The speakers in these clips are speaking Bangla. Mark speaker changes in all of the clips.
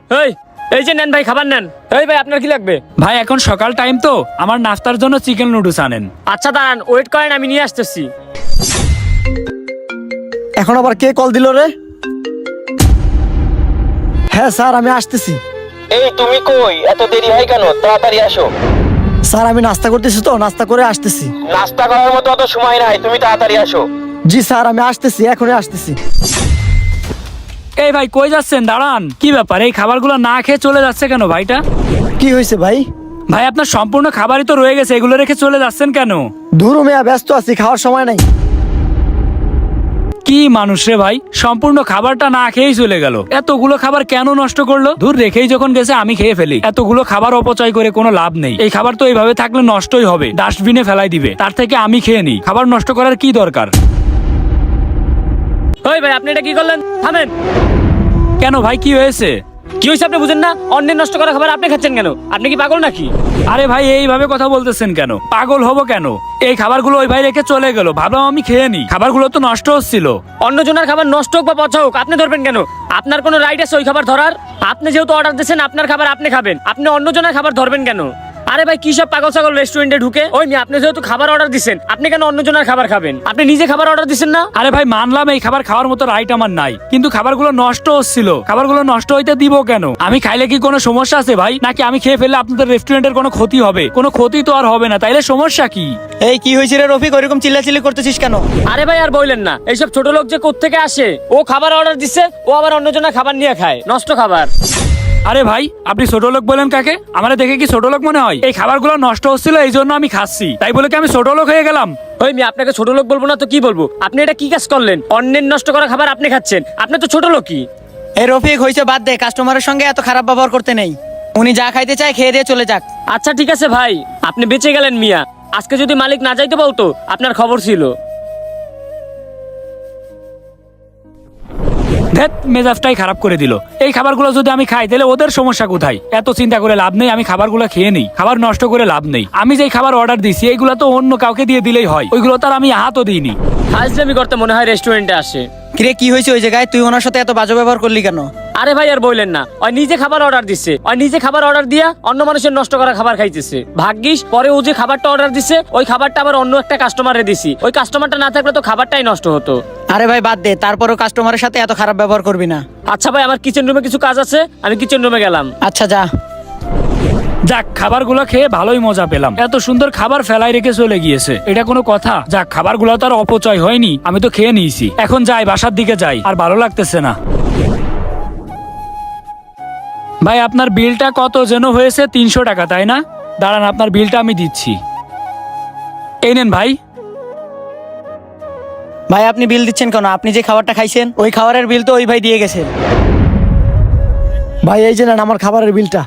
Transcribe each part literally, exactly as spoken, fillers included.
Speaker 1: এই এই যে নেন ভাই, খাবার নেন। এই ভাই, আপনার কি লাগবে?
Speaker 2: ভাই এখন সকাল টাইম তো, আমার নাস্তার জন্য চিকেন নুডলস আনেন।
Speaker 1: আচ্ছা দাঁড়ান, ওয়েট করেন, আমি নিয়ে আসতেছি।
Speaker 3: এখন আবার কে কল দিল রে? হ্যাঁ স্যার, আমি আসতেছি।
Speaker 4: এই তুমি কই? এত দেরি হয় কেন? তাড়াতাড়ি আসো।
Speaker 3: স্যার আমি নাস্তা করতেছি তো, নাস্তা করে আসতেছি।
Speaker 4: নাস্তা করার মতো অত সময় নাই, তুমি তাড়াতাড়ি আসো।
Speaker 3: জি স্যার, আমি আসতেছি, এখনই আসতেছি।
Speaker 2: এই ভাই কই যাচ্ছেন? দাঁড়ান, কি ব্যাপার? এই খাবারগুলো না খেয়ে চলে যাচ্ছে কেন ভাইটা?
Speaker 3: কি হয়েছে ভাই?
Speaker 2: ভাই আপনার সম্পূর্ণ খাবারই তো রয়ে গেছে, এগুলো রেখে চলে যাচ্ছেন কেন?
Speaker 3: ধুরু মেয়া, ব্যস্ত আছি, খাওয়ার সময় নাই।
Speaker 2: কি মানুষ রে ভাই, সম্পূর্ণ খাবারটা না খেয়েই চলে গেল। এতগুলো খাবার কেন নষ্ট করলো? দূর, রেখেই যখন গেছে আমি খেয়ে ফেলি। এতগুলো খাবার অপচয় করে কোনো লাভ নেই। এই খাবার তো এইভাবে থাকলে নষ্টই হবে, ডাস্টবিনে ফেলাই দিবে। তার থেকে আমি খেয়ে নিই, খাবার নষ্ট করার কি দরকার?
Speaker 1: ওই ভাই, আপনি এটা কি করলেন? থামেন।
Speaker 2: কেন ভাই, কি হয়েছে?
Speaker 1: কি হয়েছে আপনি বুঝেন না? অন্যের নষ্ট করা খাবার আপনি খাচ্ছেন কেন? আপনি কি পাগল নাকি?
Speaker 2: আরে ভাই এইভাবে কথা বলতেছেন কেন? পাগল হবো কেন? এই খাবারগুলো ওই ভাই রেখে চলে গেল, ভাবলাম আমি খেয়ে নি। খাবারগুলো তো নষ্ট হচ্ছিল।
Speaker 1: অন্যজনের খাবার নষ্ট হোক বা পচা হোক, আপনি ধরবেন কেন? আপনার কোনো রাইট আছে ওই খাবার ধরার? আপনি যেহেতু অর্ডার দিয়েছেন, আপনার খাবার আপনি খাবেন, আপনি অন্যজনের খাবার ধরবেন কেন? আরে ভাই, কি সব পাগল ছাগল রেস্টুরেন্টে ঢুকে? ওই মি, আপনি যেহেতু খাবার অর্ডার দিচ্ছেন, আপনি কেন অন্যজনের খাবার খাবেন? আপনি নিজে খাবার অর্ডার দিচ্ছেন না?
Speaker 2: আরে ভাই মানলাম এই খাবার খাওয়ার মতো রাইট আমার নাই, কিন্তু খাবারগুলো নষ্ট হচ্ছিল। খাবারগুলো নষ্ট হইতে দিব কেন? আমি খাইলে কি কোনো সমস্যা আছে ভাই? নাকি আমি খেয়ে ফেললে আপনাদের রেস্টুরেন্টের কোনো ক্ষতি হবে? কোনো ক্ষতি তো আর হবে না, তাইলে সমস্যা কি?
Speaker 3: এই কি হয়েছে রে রফিক, ওইরকম চিল্লাচিল্লি করতেছিস কেন?
Speaker 1: আরে ভাই আর বললেন না, এইসব ছোট লোক যে কোত্থেকে আসে। ও খাবার অর্ডার দিচ্ছে, ও আবার অন্যজনের খাবার নিয়ে খায়, নষ্ট খাবার।
Speaker 2: আরে ভাই আপনি ছোট লোক বলেন কাকে? আমারে দেখে কি ছোট লোক মনে হয়? এই খাবারগুলো নষ্ট হচ্ছিল, এই জন্য আমি খাচ্ছি, তাই বলে কি আমি ছোট লোক হয়ে গেলাম?
Speaker 1: ওই মি, আপনাকে ছোট লোক বলবো না তো কি বলবো? আপনি এটা কি কাজ করলেন? অন্যের নষ্ট করা খাবার আপনি খাচ্ছেন, আপনি তো ছোট লোকই।
Speaker 5: এই রফিক, হয়েছে বাদ দে, কাস্টমারের সঙ্গে এত খারাপ ব্যবহার করতে নেই। উনি যা খাইতে চায় খেয়ে দিয়ে চলে যাক।
Speaker 1: আচ্ছা ঠিক আছে ভাই, আপনি বেঁচে গেলেন মিয়া। আজকে যদি মালিক না যাইতে বলতো, আপনার খবর ছিল।
Speaker 2: ধ্যাত, মেজাজটাই খারাপ করে দিল। এই খাবারগুলো যদি আমি খাই তাহলে ওদের সমস্যা কোথায়? এত চিন্তা করে লাভ নেই, আমি খাবারগুলো খেয়ে নিই, খাবার নষ্ট করে লাভ নেই। আমি যেই খাবার অর্ডার দিছি এইগুলো তো অন্য কাউকে দিয়ে দিলেই হয়, ওইগুলো তার আমি হাতও দিইনি।
Speaker 1: ফাজলামি করতে মনে হয় রেস্টুরেন্টে আসে।
Speaker 5: কিরে, কি হয়েছে ওই জায়গায়? তুই ওনার সাথে এত বাজে ব্যবহার করলি কেন?
Speaker 1: আরে ভাই আর বললেন না, ওই নিজে খাবার অর্ডার দিচ্ছে, ওই নিজে খাবার অর্ডার দিয়া অন্য মানুষের নষ্ট করা খাবার খাইতেছে। ভাগ্যিস পরে ও যে খাবারটা অর্ডার দিচ্ছে, ওই খাবারটা আবার অন্য একটা কাস্টমারে দিছি। ওই কাস্টমারটা না থাকলে তো খাবারটাই নষ্ট হতো।
Speaker 5: আরে ভাই বাদ দে, তারপরও কাস্টমারের সাথে এত খারাপ ব্যবহার করবি না।
Speaker 1: আচ্ছা ভাই, আমার কিচেন রুমে কিছু কাজ আছে, আমি কিচেন রুমে গেলাম।
Speaker 5: আচ্ছা যা।
Speaker 2: যাক, খাবারগুলো খেয়ে ভালোই মজা পেলাম। এত সুন্দর খাবার ফেলাই রেখে চলে গিয়েছে, এটা কোনো কথা? যাক, খাবারগুলো তো আর অপচয় হয়নি, আমি তো খেয়ে নিয়েছি। এখন যাই, বাসার দিকে যাই, আর ভালো লাগতেছে না। ভাই আপনার বিলটা কত যেন হয়েছে? তিনশো টাকা তাই না? দাঁড়ান, আপনার বিলটা আমি দিচ্ছি। এই নেন ভাই।
Speaker 5: ভাই আপনি বিল দিচ্ছেন কেন? আপনি যে খাবারটা খাইছেন ওই খাবারের বিল তো ওই ভাই দিয়ে গেছে।
Speaker 3: ভাই এই যে নেন আমার খাবারের বিলটা।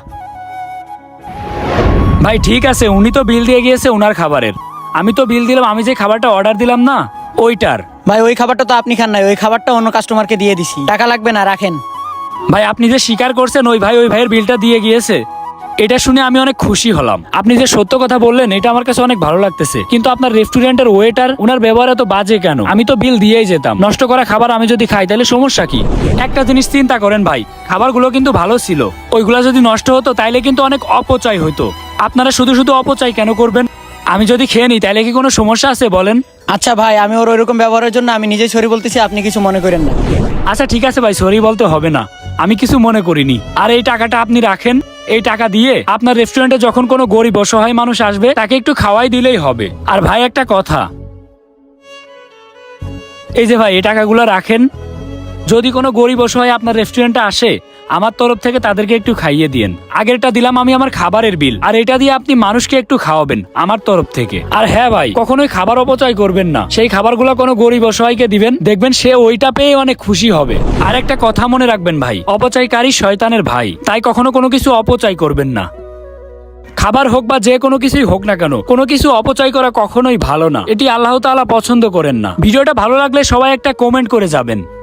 Speaker 2: ভাই ঠিক আছে, উনি তো বিল দিয়ে গিয়েছে উনার খাবারের, আমি তো বিল দিলাম আমি যে খাবারটা অর্ডার দিলাম না ওইটার।
Speaker 5: ভাই ওই খাবারটা তো আপনি খান নাই, ওই খাবারটা অন্য কাস্টমারকে দিয়ে দিছি। টাকা লাগবে না, রাখেন।
Speaker 2: ভাই আপনি যে স্বীকার করছেন ওই ভাই ওই ভাইয়ের বিলটা দিয়ে গিয়েছে, এটা শুনে আমি অনেক খুশি হলাম। আপনি যে সত্য কথা বললেন এটা আমার কাছে অনেক ভালো লাগতেছে। কিন্তু আপনার রেস্টুরেন্টের ওয়েটার, ওনার ব্যবহার এত বাজে কেন? আমি তো বিল দিয়েই যেতাম। নষ্ট করা খাবার আমি যদি খাই তাহলে সমস্যা কি? একটা জিনিস চিন্তা করেন ভাই, খাবারগুলো কিন্তু ভালো ছিল, ওইগুলা যদি নষ্ট হতো তাইলে কিন্তু অনেক অপচয় হতো। আপনারা শুধু শুধু অপচয় কেন করবেন? আমি যদি খেয়ে নিই তাইলে কি কোনো সমস্যা আছে বলেন?
Speaker 5: আচ্ছা ভাই, আমি ওর ওইরকম ব্যবহারের জন্য আমি নিজে সরি বলতেছি, আপনি কিছু মনে করেন না।
Speaker 2: আচ্ছা ঠিক আছে ভাই, সরি বলতে হবে না, আমি কিছু মনে করিনি। আর এই টাকাটা আপনি রাখেন, এই টাকা দিয়ে আপনার রেস্টুরেন্টে যখন কোনো গরিব অসহায় মানুষ আসবে তাকে একটু খাওয়াই দিলেই হবে। আর ভাই একটা কথা, এই যে ভাই এই টাকাগুলো রাখেন, যদি কোনো গরিব অসহায় আপনার রেস্টুরেন্টে আসে আমার তরফ থেকে তাদেরকে একটু খাইয়ে দিয়েন। আগেরটা দিলাম আমি আমার খাবারের বিল, আর এটা দিয়ে আপনি মানুষকে একটু খাওয়াবেন আমার তরফ থেকে। আর হ্যাঁ ভাই, কখনোই খাবার অপচয় করবেন না, সেই খাবারগুলো কোনো গরিব অসহায়কে দিবেন, দেখবেন সে ওইটা পেয়ে অনেক খুশি হবে। আর একটা কথা মনে রাখবেন ভাই, অপচয়কারী শয়তানের ভাই, তাই কখনো কোনো কিছু অপচয় করবেন না। খাবার হোক বা যে কোনো কিছুই হোক না কেন, কোনো কিছু অপচয় করা কখনোই ভালো না, এটি আল্লাহ তাআলা পছন্দ করেন না। ভিডিওটা ভালো লাগলে সবাই একটা কমেন্ট করে যাবেন।